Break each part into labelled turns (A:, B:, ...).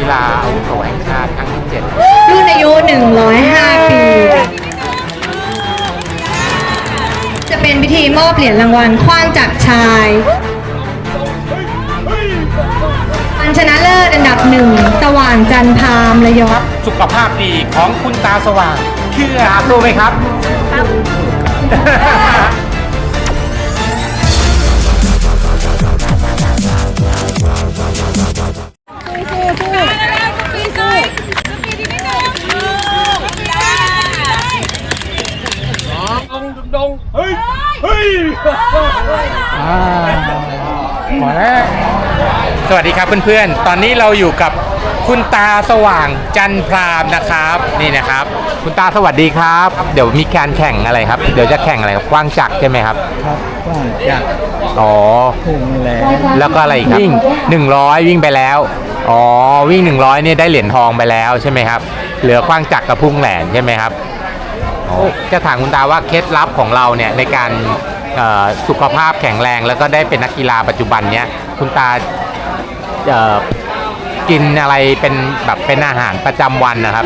A: ฬาอาวุโสแห่งชาติครั้งที่ 7
B: รุ่นอายุ105 ปี จะเป็นพิธีมอบเหรียญรางวัลขว้างจากชายอันชนะเลิศอันดับ 1 สว่างจันทามระยอง
A: สุขภาพดีของคุณตาสว่างเชื่อรู้ไหมครับดงเฮ้ยหมดแล้วสวัสดีครับเพื่อนๆตอนนี้เราอยู่กับคุณตาสว่างจันพรามนะครับนี่นะครับคุณตาสวัสดีครับเดี๋ยวมีการแข่งอะไรครับเดี๋ยวจะแข่งอะไรครับกว้างจักรใช่ไหมครับ
C: ครับกว้างจักร
A: อ๋อแล้วก็อะไรอีกครับวิ่ง100วิ่งไปแล้วอ๋อวิ่ง100เนี่ยได้เหรียญทองไปแล้วใช่ไหมครับเหลือกว้างจักรกับพุ่งแหลนใช่ไหมครับจะถามคุณตาว่าเคล็ดลับของเราเนี่ยในการสุขภาพแข็งแรงแล้วก็ได้เป็นนักกีฬาปัจจุบันเนี้ยคุณตากินอะไรเป็นแบบเป็นอาหารประจำวันนะครับ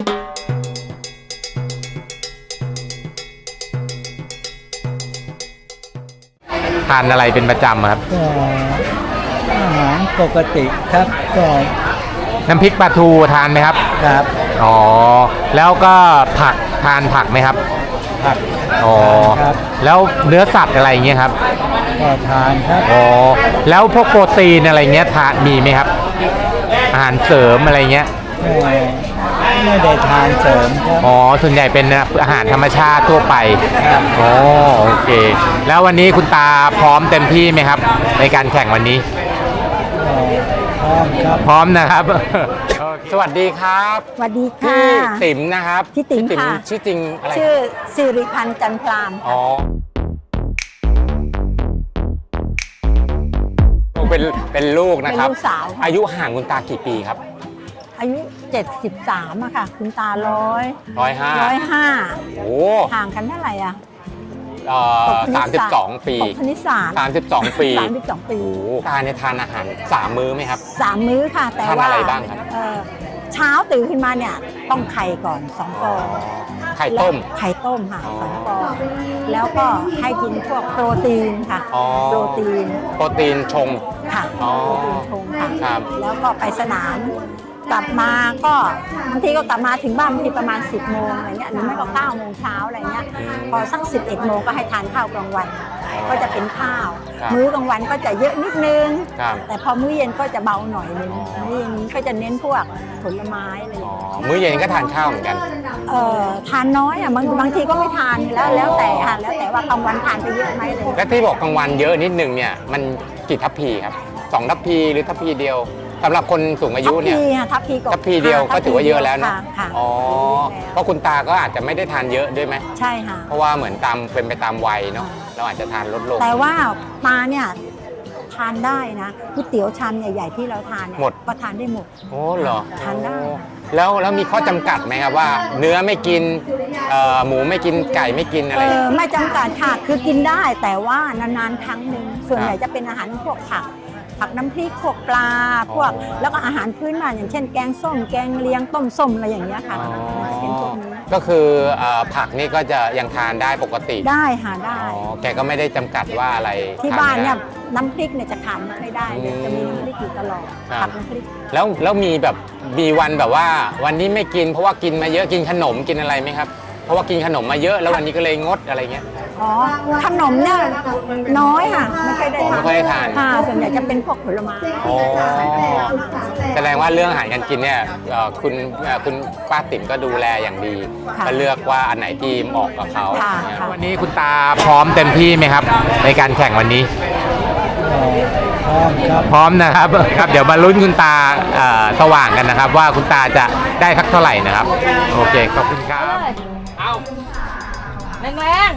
A: ทานอะไรเป็นประจำครับ
C: ก็อาหารปกติครับก็
A: น้ำพริกปลาทูทานไหมครับ
C: ครับ
A: อ๋อแล้วก็ผักทานผักไหมครับ
C: ผัก
A: อ๋อแล้วเนื้อสัตว์อะไรเงี้ยครับ
C: ก็ทานครับ
A: อ๋อแล้วพวกโปรตีนอะไรเงี้ยทานมีไหมครับอาหารเสริมอะไรเงี้ย
C: ไม่ได้ทานเสริมครับ
A: อ๋อส่วนใหญ่เป็นอาหารธรรมชาติทั่วไป
C: ครับ
A: อ๋อโอเคแล้ววันนี้คุณตาพร้อมเต็มที่ไหมครับในการแข่งวันนี้
C: พร้อมครับ
A: พร้อมนะครับสวัสดีครับ
D: สวัสดีค่ะ
A: พี่ติ๋มนะครับ
D: พี่ติ๋มค่ะ
A: ชื่อจริงอะไร
D: ชื่อสิริพันธ์จันพราม
A: อ๋อเป็นลูกนะครับ
D: เป็นลูกสาว
A: อายุห่างคุณตากี่ปีครับ
D: อายุ73อะค่ะคุณตา105
A: โอ้
D: ห่างกันเท่าไหร่อะ
A: 32 ปี
D: คณิตศาสตร์
A: 32 ปี
D: โอ้
A: ตาเนี่ยทานอาหาร3 มื้อไหมครับ
D: 3 มื้อค่ะแต่ว่า
A: อะไรบ้างครับ
D: เช้าตื่นขึ้นมาเนี่ยต้องไข่ก่อน2 ฟอง
A: ไข่ต้ม
D: ค่ะ2 ฟองแล้วก็ให้กินพวกโปรตีนค่ะโปรตีน
A: ชง
D: ค่ะโปรตีนชงค่ะแล้วก็ไปสนามกลับมาก็บางทีก็กลับมาถึงบ้านบางทีประมาณ10 โมงอะไรเงี้ยหรือไม่ก็9 โมงเช้าอะไรเงี้ยพอสัก11 โมงก็ให้ทานข้าวกลางวันก็จะเป็นข้าวมื้อกลางวันก็จะเยอะนิดนึงแต่พอมื้อเย็นก็จะเบาหน่อยนึงมื้อเย็นนี้ก็จะเน้นพวกผลไม้อะไรอย่างเงี้ย
A: มื้อเย็นก็ทานข้าวเหมือนกัน
D: ทานน้อยอ่ะบางทีก็ไม่ทานแล้วแต่ค่ะแล้วแต่ว่ากลางวันทานไปเยอะไหมเลย
A: แล้วที่บอกกลางวันเยอะนิดนึงเนี่ยมันกี่ทัพพีครับ2 ทัพพีหรือทัพพีเดียวสำหรับคนสูงอายุเนี่ย
D: ทัพ
A: พีเดียวก็ถือว่าเยอะแล้วนะ
D: อ๋อ
A: เพราะคุณตาก็อาจจะไม่ได้ทานเยอะด้วยไหม
D: ใช่ค่ะ
A: เพราะว่าเหมือนเป็นไปตามวัยเนาะเราอาจจะทานลดลง
D: แต่ว่าปลาเนี่ยทานได้นะก๋วยเตี๋ยวชามใหญ่ๆที่เราทานเนี่ยก็ทานได้หมด
A: โอ้เหรอ
D: ทานได้
A: แล้วมีข้อจำกัดไหมครับว่าเนื้อไม่กินหมูไม่กินไก่ไม่กินอะไร
D: ไม่จำกัดค่ะคือกินได้แต่ว่านานๆครั้งหนึ่งส่วนใหญ่จะเป็นอาหารพวกผักน้ำพริกพวกปลาพวกแล้วก็อาหารพื้นบ้านอย่างเช่นแกงส้มแกงเลียงต้มส้มอะไรอย่างเงี้ยค่ะจะเป็นพวกนี้
A: ก็คือผักนี่ก็จะยังทานได้ปกติ
D: ได้ค่ะได้
A: แกก็ไม่ได้จำกัดว่าอะไร
D: ที่บ้านเนี่ยน้ำพริกเนี่ยจะขาดไม่ได้เลยจะมีน้ำพริกอยู่ตลอดผักน้ำพริก
A: แล้วมีวันแบบว่าวันนี้ไม่กินเพราะว่ากินมาเยอะกินขนมกินอะไรไหมครับเพราะว่ากินขนมมาเยอะแล้ววันนี้ก็เลยงดอะไรเงี้ย
D: ขนมเนี่ยน้อยค่ะไม่ค่อยได้
A: ทาน
D: ส่วนใหญ่จะเป็นพวกผลไม้
A: แสดงว่าเรื่องอาหารการกินเนี่ยคุณป้าติ๋มก็ดูแลอย่างดีก็เลือกว่าอันไหนที่เหมาะกับเขาวันนี้คุณตาพร้อมเต็มที่ไหมครับในการแข่งวันนี้พร้อมนะครับเดี๋ยวมาลุ้นคุณตาสว่างกันนะครับว่าคุณตาจะได้สักเท่าไหร่นะครับโอเคขอบคุณครับเอา
D: แรงแรง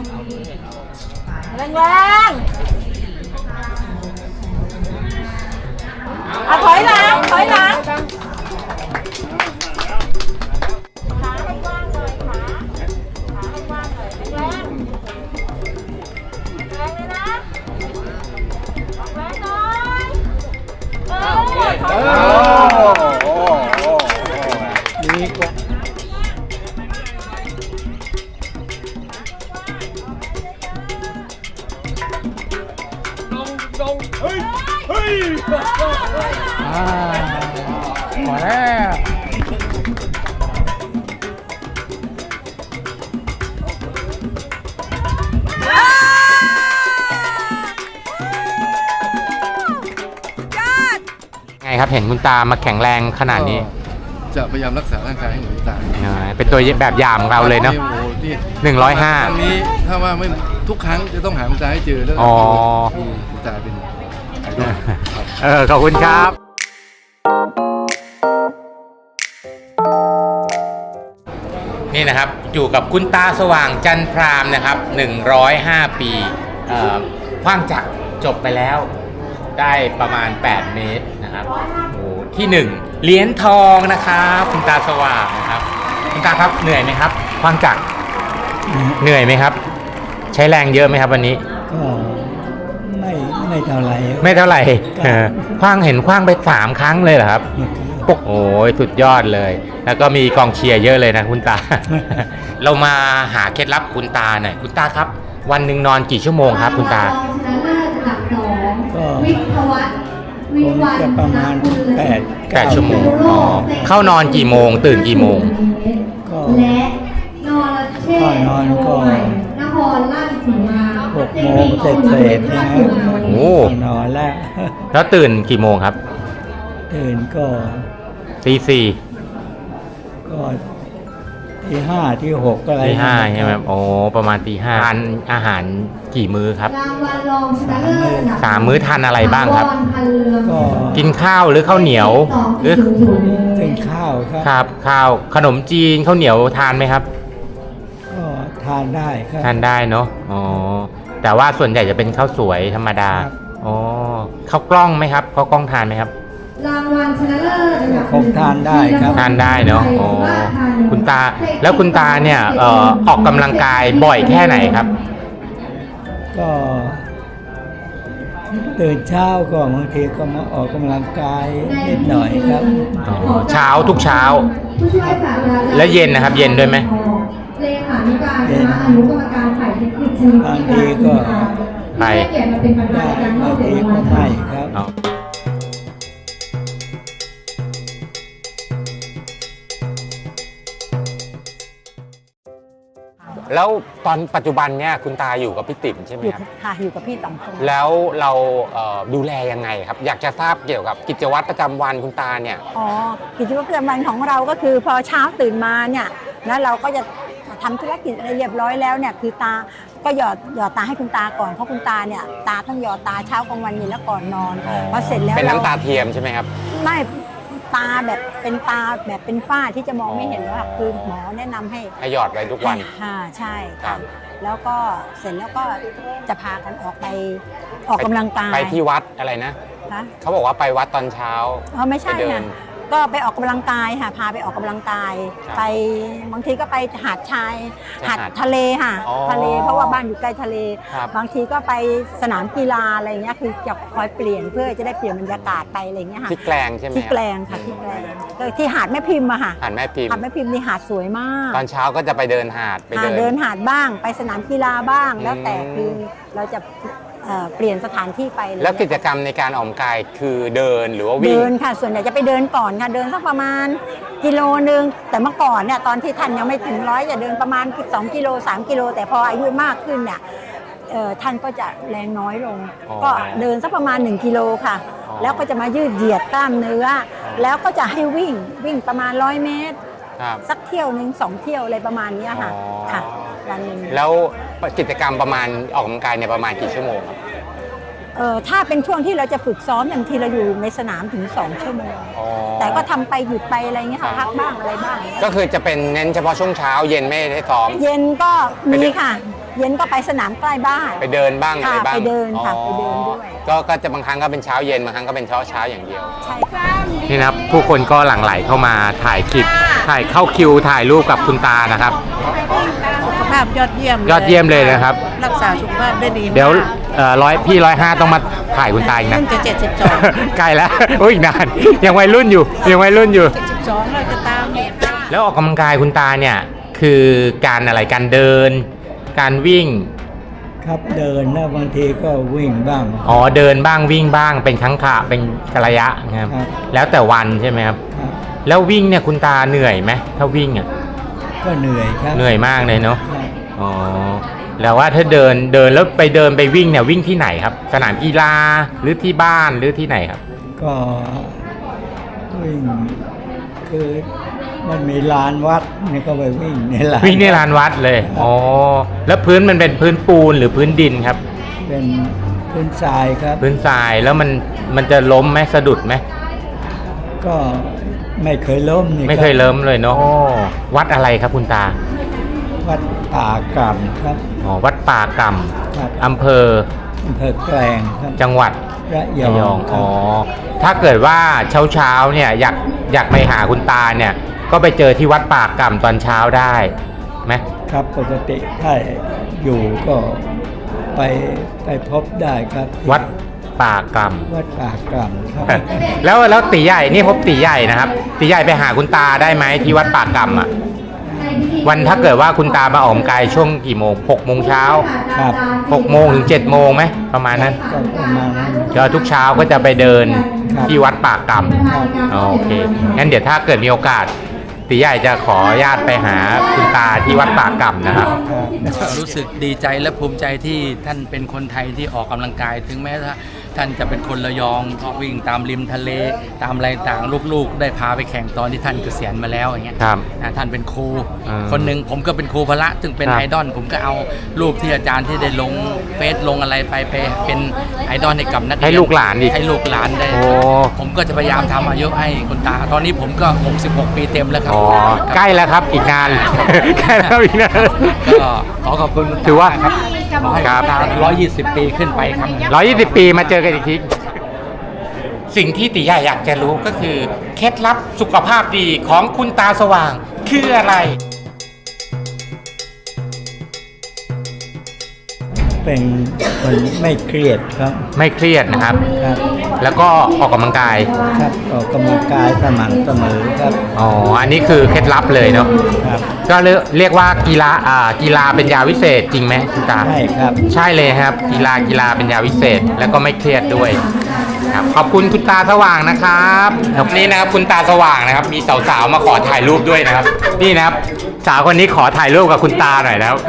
D: ถอยหลัง
A: มาแล้วไงครับเห็นคุณตามาแข็งแรงขนาดนี้
E: จะพยายามรักษาร่างกายให้หนูตาย
A: เป็นตัวแบบอย่างของเราเลยเนาะ
E: โอ้โหที่
A: 105
E: ครั้งนี้ถ้าว่าไม่ทุกครั้งจะต้องหาคุณตาให้เจอแล้ว
A: อ๋อ
E: มีคุณตาเป็นไอดอลครับ
A: ขอบคุณครับ นี่นะครับอยู่กับคุณตาสว่างจันพรามนะครับ105 ปีขว้างจักรจบไปแล้วได้ประมาณ8 เมตรนะครับโอ้ที่1เหรียญทองนะครับคุณตาสว่างนะครับคุณตาครับเหนื่อยไหมครับขว้างจักรเหนื่อยไหมครับ ใช้แรงเยอะไหมครับวันนี้
C: ก็ไม่เท่าไหร่
A: ไม่เท่าไหร่ขว้างเห็นขว้างไป3 ครั้งเลยเหรอครับโอ้ยสุดยอดเลย แล้วก็มีกองเชียร์เยอะเลยนะคุณตา เรามาหาเคล็ดลับคุณตาหน่อยคุณตาครับ วันหนึ่งนอนกี่ชั่วโมงครับคุณตา
C: ก็คงจะประมาณ8
A: ชั่วโมงอ๋อเข้านอนกี่โมงตื่นกี่โมง
C: ก็
B: และนอรเชษฐ์
C: นอนก็
B: นครราชสีมา
C: 6 โมงเศษๆนะฮะ
A: โอ้
C: นอนแล้ว
A: แล้วตื่นกี่โมงครับ
C: ตื่นก็
A: ตีสี่
C: ก็ที่5ที่6อะไร
A: ตีห้าใช่ไหมครับโอ้ประมาณตีห้าทานอาหารกี่มื้อครับ
B: รางวัลรองชนะเลิศอันดับ
A: 3 มื้อทานอะไรบ้างครับ
B: พันเรือง
C: ก็
A: กินข้าวหรือข้าวเหนียวหรือ
C: ถึงข้าวค
A: ครับ รับข้าวขนมจีนข้าวเหนียวทานไหมครับ
C: ก็ทานได้ครับ
A: ทานได้เนาะอ๋อแต่ว่าส่วนใหญ่จะเป็นข้าวสวยธรรมดา
C: ครับ
A: อ๋อข้าวกล้องไหมครับข้าวกล้องทานไหมครับ
B: รางวัลชนะเลิศอันดับ
C: คงทานได้ครับ
A: ทานได้เนาะอ๋อคุณตาแล้วคุณตาเนี่ยออกกำลังกายบ่อยแค่ไหนครับ
C: ก็ตื่นเช้าก็บางทีก็มาออกกำลังกายนิดหน่อยครับ
A: เช้าทุกเช้า
B: ผู้ช่วยศาสตราจารย์
A: แล้วเย็นนะครับเย็นด้วยไหม
B: เลขานุการคณะอนุกรรมการฝ่ายเทคนิคชนิด
C: บางทีก็
A: ไป
B: ที่ให้เกียรติมาเป็นประธาน
C: ได้
B: ในการม
C: บา
B: อบ
C: ง
B: เหรี
C: ที
B: ยญ
C: ก็
B: รางวั
C: ไม่
B: ล
C: ครับ
A: อ๋อแล้วตอนปัจจุบันเนี่ยคุณตาอยู่กับพี่ติ๋มใช่ไหม
D: อยู่
A: ครับ
D: ค่ะอยู่กับพี่2 คน
A: แล้วเราดูแลยังไงครับ อยากจะทราบเกี่ยวกับกิจวัตรประจำวันคุณตาเนี่ย
D: อ๋อกิจวัตรประจำวันของเราก็คือพอเช้าตื่นมาเนี่ยนะเราก็จะทำธุรกิจอะไรเรียบร้อยแล้วเนี่ยคือตาก็หยอดตาให้คุณตาก่อนเพราะคุณตาเนี่ยตาต้องหยอดตาเช้ากลางวันเย็นแล้วก่อนนอนพอเสร็จแล้ว
A: เป็น
D: เรา
A: น้ำตาเทียมใช่ไหมครับ
D: ไม่ตาแบบเป็นตาแบบเป็นฝ้าที่จะมองไม่เห็นแล้วค่ะคือหมอแนะนำให้
A: ให้หยอดไว้ทุกวัน
D: ค่ะใช่
A: ครั
D: ค่ะ
A: บ
D: แล้วก็เสร็จแล้วก็จะพากันออกไปออกกำลังกาย
A: ไปที่วัดอะไรนะ
D: นะ
A: เขาบอกว่าไปวัดตอนเช้า
D: อ๋อไม่ใช่
A: ไปเดิน
D: ค่ะก็ไปออกกำลังกายค่ะพาไปออกกำลังกาย
A: ครับ
D: ไปบางทีก็ไปหาดชาย
A: หา
D: หา
A: ด
D: ดทะเลค่ะ
A: อ๋อ
D: ทะเลเพราะว่าบ้านอยู่ใกล้ทะเล
A: ครับ
D: บางทีก็ไปสนามกีฬาอะไรเงี้ยคือจะคอยเปลี่ยนเพื่อจะได้เปลี่ยนบรรยากาศไปอะไรเงี้ยค่ะ
A: ที่แกลงใช่ไหม
D: ที่
A: ครับ
D: แกลงค่ะที่แกลงก็ที่หาดแม่พิมพ์อะค่ะ
A: หาดแม่พิมพ์
D: หาดแม่พิมพ์นี่หาดสวยมาก
A: ตอนเช้าก็จะไปเดินหาดไป
D: เดินหาดบ้างไปสนามกีฬาบ้าง แล้วแต่
A: อืม
D: คือเราจะเปลี่ยนสถานที่ไปอะไร
A: แล้วกิ
D: เงี้ย
A: จกรรมในการออกกำลังกายคือเดินหรือว่าวิ่ง
D: เดินค่ะส่วนใหญ่จะไปเดินก่อนค่ะเดินสักประมาณกิโลนึงแต่เมื่อก่อนเนี่ยตอนที่ท่านยังไม่ถึง100จะเดินประมาณ2 กิโล 3 กิโลแต่พออายุมากขึ้นเนี่ยท่านก็จะแรงน้อยลง
A: อ๋อ
D: ก็เดินสักประมาณ1 กิโลค่ะ
A: อ๋อ
D: แล้วก็จะมายืดเหยียดกล้ามเนื้อ แล้วก็จะให้วิ่งประมาณ100 เมตร
A: ครับ
D: สักเที่ยวหนึ่ง2 เที่ยวอะไรประมาณเนี้ยค่ะ
A: อ๋อ
D: ค่ะวันหนึ่ง
A: แล้วกิจกรรมประมาณออกกำลังกายเนี่ยประมาณกี่ชั่วโมงครับ
D: ถ้าเป็นช่วงที่เราจะฝึกซ้อมบางทีเราอยู่ในสนามถึง2 ชั่วโมง
A: อ๋อ
D: แต่ก็ทำไปหยุดไปอะไรเงี้ยค่ะ
A: ครั
D: พั
A: บ
D: กบ้างอะไรบ้าง
A: ก็คือจะเป็นเน้นเฉพาะช่วงเช้าเย็นไม่ได้ซ้อม
D: เย็นก็
A: ไป
D: มี
A: เดิน
D: ค่ะ เย็นก็ไปสนามใกล้บ้าน
A: ไปเดินบ้างอะไร
D: ค่ะ
A: บ้าง
D: ไปเดินค่ะ
A: อ๋อ
D: ไปเดินด้วย
A: ก็จะบางครั้งก็เป็นเช้าเย็นบางครั้งก็เป็นเช้าอย่างเดียว
D: ใช่ค่ะ
A: นี่นะครับผู้คนก็หลั่งไหลเข้ามาถ่ายคลิปถ่ายเข้าคิวถ่ายรูปกับคุณตานะครับ
F: สุขภาพยอดเยี่ยม
A: ยอดเยี่ยมเลยนะครับ
F: รักษาสุขภาพได้ดีมาก
A: เดี๋ยวพี่105ต้องมาถ่ายคุณตาอีกนะ
F: เพิ่งจะ72
A: ใกล้แล้วโอ้ยอีกนานยังวัยรุ่นอยู่ยังวัยรุ่นอยู่
F: 72เราจะตามเนี่ย
A: แล้วออกกำลังกายคุณตาเนี่ยคือการอะไรการเดิน การวิ่ง
C: ครับเดินแล้วบางทีก็วิ่งบ้าง
A: อ๋อเดินบ้างวิ่งบ้างเป็นครั้งคราเป็นระยะนะครับ
C: ครับ
A: แล้วแต่วันใช่ไหมครับ
C: ครับ
A: แล้ววิ่งเนี่ยคุณตาเหนื่อยไหมถ้าวิ่งอ่ะ
C: ก็เหนื่อยครับ
A: เหนื่อยมากเลยเนาะ
C: ครับ
A: อ๋อแล้วว่าถ้าเดินแล้วไปวิ่งเนี่ยวิ่งที่ไหนครับ สนามกีฬาหรือที่บ้านหรือที่ไหนครับ
C: ก็วิ่งคือมันมีลานวัดนี่ก็ไปวิ่งในลาน
A: วิ่งในลานวัดเลยอ๋อแล้วพื้นมันเป็นพื้นปูนหรือพื้นดินครับ
C: เป็นพื้นทรายครับ
A: พื้นทรายแล้วมันจะล้มไหมสะดุดไหม
C: ก็ไม่เคยล้มนี่
A: ไม่เคยล้มเลยเนาะวัดอะไรครับคุณตา
C: วัดป่ากำครับ
A: อ๋อวัดป่าก
C: ครับ
A: ำอำเภอ
C: อำเภอแกลงครับ
A: จังหวัด
C: ระย
A: ระย
C: อ
A: อง ง
C: ครั
A: อ๋
C: บ
A: อถ้าเกิดว่าเช้าเนี่ยอยากไปหาคุณตาเนี่ยก็ไปเจอที่วัดป่ากำตอนเช้าได้ไหม
C: ครับปกติถ้าอยู่ก็ไปพบได้ครับ
A: วัดป่ากำ
C: วัดป่ากำครับ
A: แล้วตีใหญ่นี่พบตีใหญ่นะครับตีใหญ่ไปหาคุณตาได้ไหมที่วัดป่ากำอ่ะวันถ้าเกิดว่าคุณตามาออกกำลังกายช่วงกี่โมง6 โมงเช้า
C: ครับ
A: 6 โมงถึง7 โมงไหมประมาณนั้น
C: ก็ประมาณนั้น
A: เดี๋ยวทุกเช้าก็จะไปเดิน
C: ครับ
A: ที่วัดป่ากำอ๋อโอเคงั้นเดี๋ยวถ้าเกิดมีโอกาสตีใหญ่จะขออนุญาตไปหาคุณตาที่วัดป่ากำนะครับ
G: รู้สึกดีใจและภูมิใจที่ท่านเป็นคนไทยที่ออกกำลังกาย ถึงแม้ว่าท่านจะเป็นคนระยองก็วิ่งตามริมทะเลตามอะไรต่างลูกๆ ได้พาไปแข่งตอนที่ท่านเกษียณมาแล้วอย่างเงี้ย
A: ครับ
G: ท่านเป็นครู
A: อ่า
G: คนหนึ่งผมก็เป็นครูพละซึ่งเป็น
A: ครับ
G: ไอดอลผมก็เอารูปที่อาจารย์ที่ได้ลงเฟซลงอะไรไปเป็นไอดอลให้กับนักเรียน
A: ให้ลูกหลานอีก
G: ให้ลูกหลานได้
A: โอ้
G: ผมก็จะพยายามทำอายุให้คุณตา ตอนนี้ผมก็66 ปีเต็มแล้วครับ
A: อ๋อใกล้แล้วครับอีกนาน ใกล้แล้วอีกนาน
G: ก็ขอขอบคุณคุณต
A: ถือว่า
G: ครับขอให้
A: ครับ
G: คุณตา120 ปีขึ้นไปครับ
A: 120 ปีมาเจอกันอีกทีสิ่งที่ตีใหญ่อยากจะรู้ก็คือเคล็ดลับสุขภาพดีของคุณตาสว่างคืออะไร
C: เป็นคนไม่เครียดครับ
A: ไม่เครียดนะครับ
C: ครับ
A: แล้วก็ออกกำลังกาย
C: ครับออกกำลังกายสม่ำเสมอครับ
A: อ๋ออันนี้คือเคล็ดลับเลยเนาะ
C: ครับ
A: ก็เรียกว่ากีฬาเป็นยาวิเศษจริงไหมคุณตา
C: ใช่ครับ
A: ใช่เลยครับกีฬาเป็นยาวิเศษแล้วก็ไม่เครียดด้วยครับขอบคุณคุณตาสว่างนะครับวันนี้นะครับคุณตาสว่างนะครับ มีสาวๆมาขอถ่ายรูปด้วยนะครับ นี่นะครับสาวคนนี้ขอถ่ายรูปกับคุณตาหน่อยนะครับ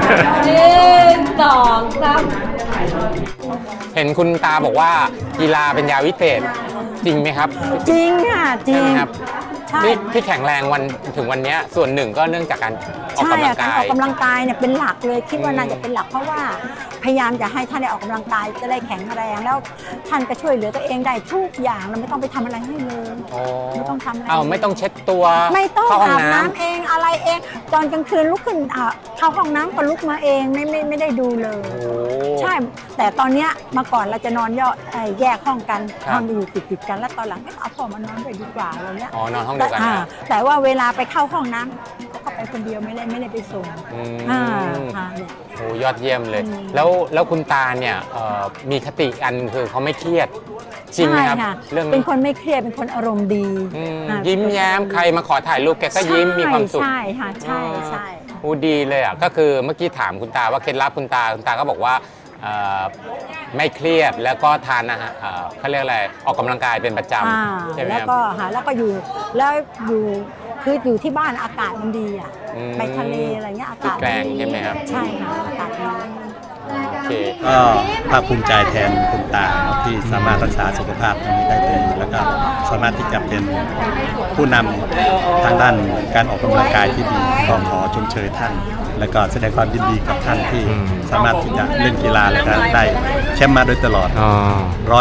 A: เห็นคุณตาบอกว่ากีฬาเป็นยาวิเศษจริงไหมครับ
D: จริงค่ะจริ
A: ใช่
D: ง
A: ไหมครับ
D: ใช่
A: ที่แข็งแรงวันถึงวันนี้ส่วนหนึ่งก็เนื่องจากการออก
D: ใช่
A: กำลั
D: อะ
A: ง
D: การ
A: กา
D: อย อกกำลังกายเนี่ยเป็นหลักเลยคิดว่าน่าจะเป็นหลักเพราะว่าพยายามจะให้ท่านได้ออกกำลังกายจะได้แข็งแรงแล้วท่านก็ช่วยเหลือตัวเองได้ทุกอย่างเราไม่ต้องไปทำอะไรให้เลย
A: โอ้
D: ไม่ต้องทำอะไร
A: เอาไม่ต้องเช็ดตัว
D: ไม่ต้อง
A: เข้าห้อง
D: อาบ
A: น้
D: น้ำเองอะไรเองตอนกลางคืนลุกขึ้นเข้าห้องน้ำก็ลุกมาเองไม่ได้ดูเลย
A: ำโอ้
D: ใช่แต่ตอนเนี้ยเมื่อก่อนเราจะนอนแยกห้องกัน
A: ครับ
D: ห้องอยู่ติดกันแล้วตอนหลังเอาพ่อมานอนด้วยดีกว่าอะไรเงี้ย
A: อ๋อนอนห้องเดียวกันนะ
D: แต่ว่าเวลาไปเข้าห้องน้ำเขาก็ไปคนเดียวไม่ได้ไปส่ง
A: อืม
D: ค่ะเนี่ย
A: โอ้ยอดเยี่ยมเลย
D: อืม
A: แล้วคุณตาเนี่ยมีคติอันคือเขาไม่เครียดจริงไหมครับ
D: ใช่ค่ะ
A: เรื่อง
D: เป็นคนไม่เครียดเป็นคนอารมณ์ดี
A: อืม
D: อ่า
A: ยิ้มแย้มใครมาขอถ่ายรูปแกก็ยิ้มมีความสุข
D: ใช่ค่ะใช่ใช่
A: โอ้ดีเลยอ่ะก็คือเมื่อกี้ถามคุณตาว่าเคล็ดลับคุณตาก็บอกว่าไม่เครียดแล้วก็ทานอาหารเขาเรียกอะไรออกกำลังกายเป็นประจำใช่ไหม
D: แล้ว
A: ครับ
D: ก็แล้วก็อยู่คืออยู่ที่บ้านอากาศมันดีอ่ะ
A: อืม
D: ไปทะเลอะไรเงี้ยอากาศ
A: ที่แกลงใช่ไหมครับ
D: ใช่ค่ะอากาศดี
A: โอเค
H: ก็ภาคภูมิใจแทนคุณตาเนาะที่สามารถรักษาสุขภาพตรงนี้ได้ดีแล้วก็สามารถที่จะเป็นผู้นำทางด้านการออกกำลังกายที่ดีก็ขอชมเชยท่าน แล้วก็แสดงความยินดีกับท่านที่
A: อืม
H: สามารถที่จะเล่นกีฬาแล้วก็ได้แชมป์มาโดยตลอด
A: อ๋อ
H: ร้อย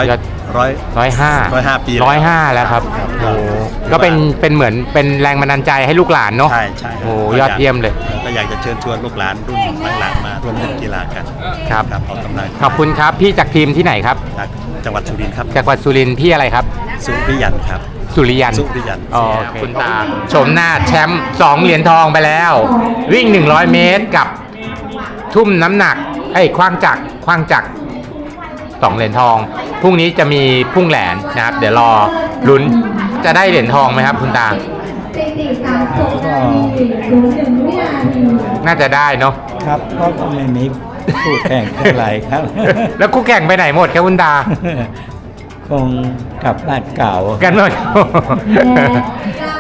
A: 105
H: ปี
A: 105แล้วครับโอ้ก็เป็นเหมือนเป็นแรงบันดาลใจให้ลูกหลานเนาะ
H: ใช่ใช่
A: โอ้ยอดเยี่ยมเลย
H: ก็อยากจะเชิญชวนลูกหลานรุ่นหลังๆมาร่วมเล่นกีฬากัน
A: ครับ
H: ออกกำลัง
A: ขอบคุณครับพี่จากทีมที่ไหนครับ
H: จากจังหวัดสุรินทร์ครับ
A: จากจังหวัดสุรินทร์พี่อะไรครับ
H: สุริยันครับ
A: สุริยัน
H: สุริยัน
A: โอเคคุณตาชมหน้าแชมป์2เหรียญทองไปแล้ว วิ่ง100 เมตรกับทุ่มน้ำหนักคว้างจักร2เหรียญทองพรุ่งนี้จะมีพุ่งแหลนนะครับ เดี๋ยวรอลุ้นจะได้เหรียญทองไหมครับคุณตา น่าจะได้เนาะ
C: ครับเพราะก็ไม่มีผู้แข่งเท่าไหร่ครับ
A: แล้วคู่แข่งไปไหนหมดครับคุณตา
C: คงกลับบ้านเก่า
A: กันหมด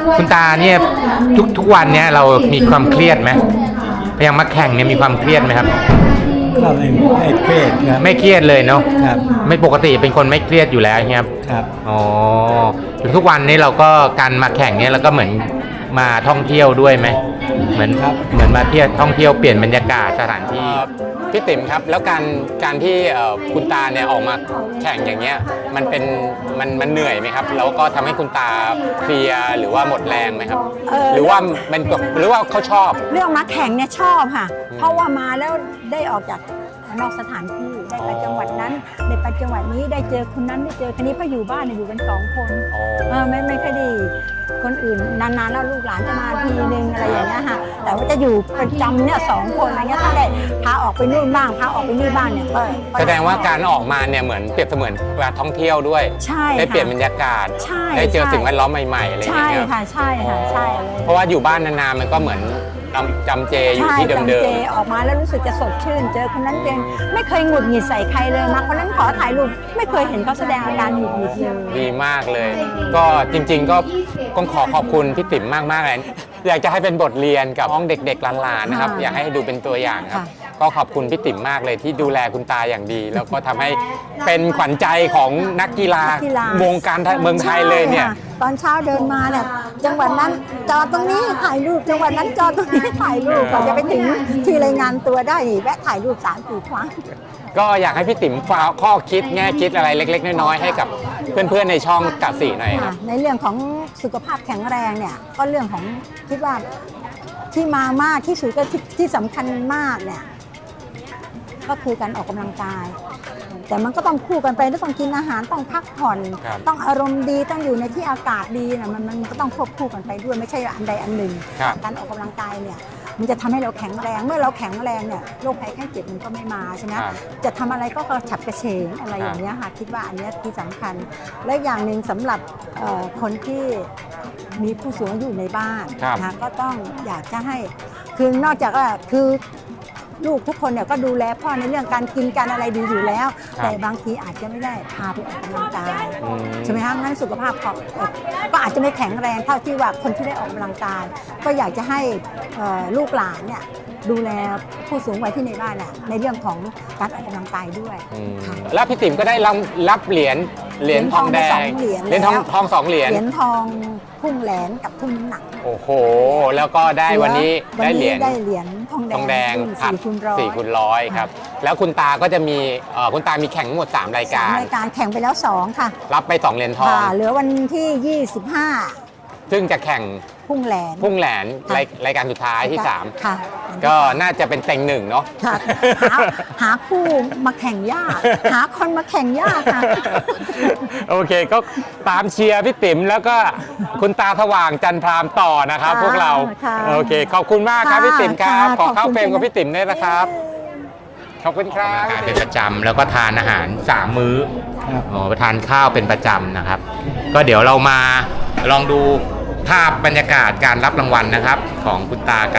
A: คุณตาเนี่ยทุกวันเนี่ยเรามีความเครียดไหมอย่างมาแข่งเนี่ยมีความเครียดไหมครับ
C: ก็ไม่เครียดครับ
A: ไม่เครียดเลยเนาะ
C: ครับ
A: ไม่ปกติเป็นคนไม่เครียดอยู่แล้วครับ
C: ครับ
A: อ๋อทุกวันนี้เราก็การมาแข่งเนี่ยเราก็เหมือนมาท่องเที่ยวด้วยไหมเหมือน
C: ครับ
A: เหมือนมาเที่ยวท่องเที่ยวเปลี่ยนบรรยากาศสถานที่พี่ติ๋มครับแล้วการที่คุณตาเนี่ยออกมาแข่งอย่างเงี้ยมันเหนื่อยไหมครับแล้วก็ทำให้คุณตาเพลียหรือว่าหมดแรงไหมครับ หรือว่ามันหรือว่าเขาชอบ
D: เรื่องมาแข่งเนี่ยชอบค่ะ เพราะว่ามาแล้วได้ออกจากนอกสถานที่ได้ไปจังหวัดนั้นได้ไปจังหวัดนี้ได้เจอคนนั้นได้เจอคนนี้เพราะอยู่บ้านเนี่ยอยู่กัน2 คนไม่ค่อยดีคนอื่นนานๆแล้วลูกหลานจะมาทีนึงอะไรอย่างเงี้ยค่ะแต่ว่าจะอยู่ประจำเนี่ย2 คนอะไรเงี้ยถ้าได้พาออกไปนู่นบ้างพาออกไปนี่บ้างเนี่ยก็
A: แสดงว่าการออกมาเนี่ยเหมือนเปรียบเสมือนการท่องเที่ยวด้วย
D: ใช่
A: ได้เปลี่ยนบรรยากาศ
D: ใช่
A: ได้เจอสิ่งแวดล้อมใหม่ๆอะไรอย่าง
D: ใช่
A: เงี้ย
D: ค่ะใช่ค่ะใช่เลย
A: เพราะว่าอยู่บ้านนานๆมันก็เหมือนจำเจอยู่ที่เดิม
D: ใช่จำเจออกมาแล้วรู้สึกจะสดชื่น เจอคนนั้นเจอไม่เคยหงุดหงิดใส่ใครเลยมาคนนั้นขอถ่ายรูปไม่เคยเห็นเขาแสดงอาการหงุดหงิดเลย
A: ๆดีมากเลย ก็จริงๆก็ต้องขอบคุณพี่ติ๋มมากๆเลยอยากจะให้เป็นบทเรียนกับน้องเด็กๆหลานๆนะครับอยากให้ดูเป็นตัวอย่างครับก็ขอบคุณพี่ติ๋มมากเลยที่ดูแลคุณตาอย่างดี แล้วก็ทำให้เป็นขวัญใจของนักกีฬาวงการเมืองไทยเลยเนี่ย
D: ใช่ค่ะตอนเช้าเดินมาเนี่ยจังหวัดนั้นจอดตรงนี้ถ่ายรูปจังหวัดนั้นจอดตรงนี้ถ่ายรูปก่อนจะไปถึงที่รายงานตัวได้นี่แวะถ่ายรูป3-4 ครั้ง
A: ก็อยากให้พี่ติ๋มฝากข้อคิดแง่คิดอะไรเล็กๆน้อยๆให้กับเพื่อนๆในช่องกัดสีหน่อยครับ
D: ในเรื่องของสุขภาพแข็งแรงเนี่ยก็เรื่องของคิดว่าที่มามากที่สุดก็ที่สำคัญมากเนี่ยก็คือการออกกำลังกาย แต่มันก็ต้องคู่กันไปต้องกินอาหารต้องพักผ่อน
A: ครับ
D: ต้องอารมณ์ดีต้องอยู่ในที่อากาศดีนะมันก็ต้องควบคู่กันไปด้วยไม่ใช่อันใดอันหนึ่ง
A: ครับ
D: การออกกำลังกายเนี่ยมันจะทำให้เราแข็งแรงเมื่อเราแข็งแรงเนี่ยโรคภัยไข้เจ็บมันก็ไม่มาใช่ไหม
A: ครับ
D: จะทำอะไรก็กระฉับกระเฉงอะไรอย่างเงี้ยค่ะคิดว่าอันเนี้ยที่สำคัญและอย่างหนึ่งสำหรับคนที่มีผู้สูงอายุในบ้าน
A: ครับ
D: นะคะก็ต้องอยากจะให้คือนอกจากว่าคือลูกทุกคนเนี่ยก็ดูแลพ่อในเรื่องการกินการอะไรดีอยู่แล้ว แต่บางทีอาจจะไม่ได้พาไปออกกำลังกายใช่ไหมคะงั้นสุขภาพก็อาจจะไม่แข็งแรงเท่าที่ว่าคนที่ได้ออกกำลังกาย ก็อยากจะให้ลูกหลานเนี่ยดูแลผู้สูงวัยที่ในบ้านน่ะในเรื่องของการออกกำลังกายด้วยค่ะ
A: แล้วพี่ติ๋มก็ได้รับเหรียญทองแดง
D: เหรียญทองไป
A: ทอง2 เหรียญ
D: เหรียญทองพุ่งแหลนกับทุ่งน้ำหนัก
A: โอ้โห แล้วก็ได้วันนี้ได้เหรียญ
D: ได้เหรียญทอง
A: ทองแดง
D: 4 คูณร้อย
A: 4 คูณร้อยครับ แล้วคุณตาก็จะมีคุณตามีแข่งทั้งหมด3 รายการ
D: รายการแข่งไปแล้ว2ค่ะ
A: รับไป2 เหรียญทอง
D: ค่ะเหลือวันที่
A: ซึ่งจะแข่ง
D: 25 พุ่งแหลน
A: พุ่งแหลน
D: ค่ะ
A: รายการสุดท้ายที่
D: ค่ะ
A: 3 ก็น่าจะเป็นเต็ง1เนาะ
D: ค่ะหาคู่มาแข่งยาก หาคนมาแข่งยากค่ะ
A: โอเคก็ตามเชียร์พี่ติ๋มแล้วก็คุณตาสว่างจันทรามต่อนะครับ
D: ค่ะ
A: พวกเรา
D: ค่ะ
A: โอเคขอบคุณมากครับ
D: ค่ะ
A: พี่ติ๋มครับ
D: ค่ะ
A: ขอเข้า
D: ขอบคุณ
A: เฟรมกับพี่ติ๋มด้วยนะครับขอบคุณครับเป็นประจำแล้วก็ทานอาหาร3 มื้อ
C: ครับ
A: อ๋อทานข้าวเป็นประจำนะครับ ก็เดี๋ยวเรามาลองดูภาพบรรยากาศการรับรางวัลนะครับ ของคุณตากัน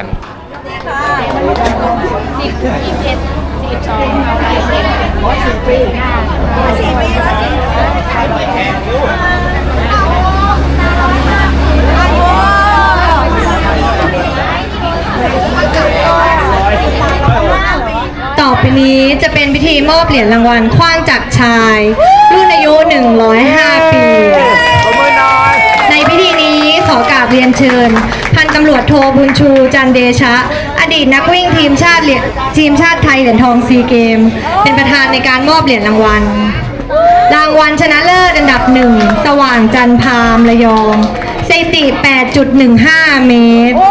B: ต่อไปนี้จะเป็นพิธีมอบเหรียญรางวัลขว้างจากชาย รุ่นอายุ 105 ปี ในพิธีนี้ขอกราบเรียนเชิญ พันตำรวจโทบุญชูจันเดชะ อดีตนักวิ่งทีมชาติไทยเหรียญทองซีเกม เป็นประธานในการมอบเหรียญรางวัล รางวัลชนะเลิศอันดับ 1 สว่างจันทร์พามระยองสถิติ 8.15 เมตร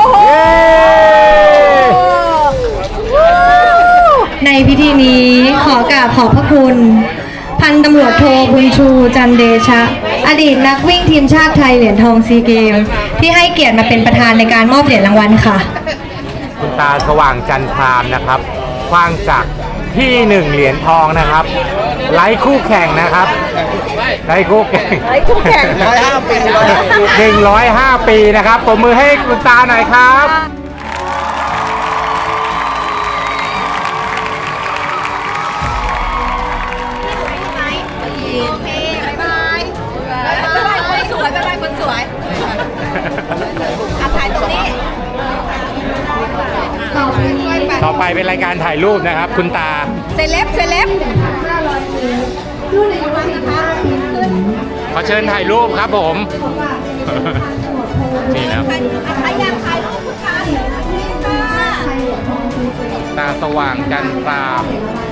B: ในพิธีนี้ขอกราบขอบพระคุณ พันตำรวจโทบุญชูจันเดชะ อดีตนักวิ่งทีมชาติไทยเหรียญทองซีเกม ที่ให้เกียรติมาเป็นประธานในการมอบเหรียญรางวัลค่ะ
A: คุณตาสว่างจันทรามนะครับคว้างจากที่1 เหรียญทองนะครับไร้คู่แข่งนะครับไร้คู่แข่ง105 ปีนะครับปรบมือให้คุณตาหน่อยครับ
F: คนสวย
A: ไปเป็นรายการถ่ายรูปนะครับ คุณตา
B: เซเลบรุ่นอายุ15ปีขึ้น
A: ขอเชิญถ่ายรูปครับผม นี่นะ
B: ใครอยากถ่ายรูปคุณตานี่ค่ะ
A: ตาสว่างจันทราม
B: ค